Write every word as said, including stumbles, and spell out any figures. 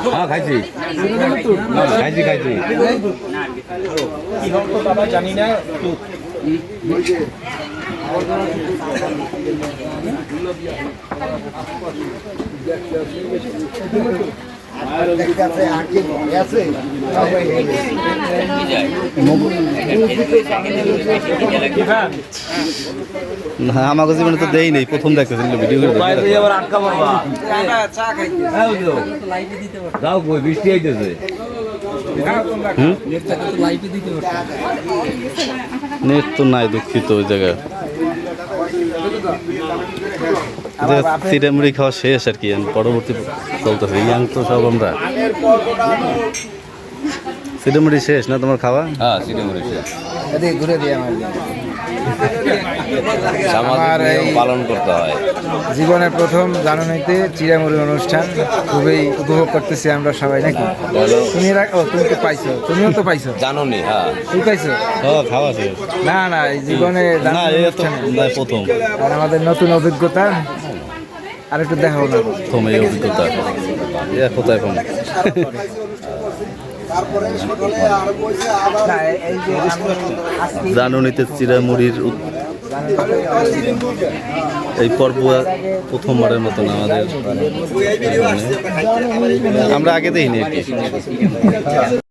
হ্যাঁ খাইছি খাইছি খাইছি জানি না না আমাকে জীবনে তো দেই নেই প্রথম দেখতেছিল ভিডিও করে যাও কই বৃষ্টি আইতেছে নেট তো নাই দুঃখিত ওই জায়গায় চিড়ে মুড়ি খাওয়া শেষ আর কি পরবর্তী চলতেছে ইয়াং তো সব আমরা চিড়ে মুড়ি শেষ না তোমার খাওয়া? হ্যাঁ সিটে মুড়ি শেষ ঘুরে দিয়ে আমার সামাজিক নিয়ম পালন করতে হয়। জীবনের প্রথম জানুয়ারিতে চিড়ামুড়ি অনুষ্ঠান খুবই উপভোগ করতেছি আমরা সবাই নাকি তুমি এর আগে- ও তুমি তো পাইছো তুমিও তো পাইছো জানুনি হ্যাঁ তুই পাইছো হ্যাঁ খাওয়া শেষ না না এই জীবনে না জানুয়ারি এই তো অনুষ্ঠানে না, প্রথম আর আমাদের নতুন অভিজ্ঞতা আর একটু দেখাবো না প্রথম এই অভিজ্ঞতা এ কোথায় এখন না, এই যে আমি আজকে জানুনিতে চিড়ামুড়ির উৎ- এই পর্ব প্রথমবারের মতন আমাদের আমরা আগে দেখিনি আর কি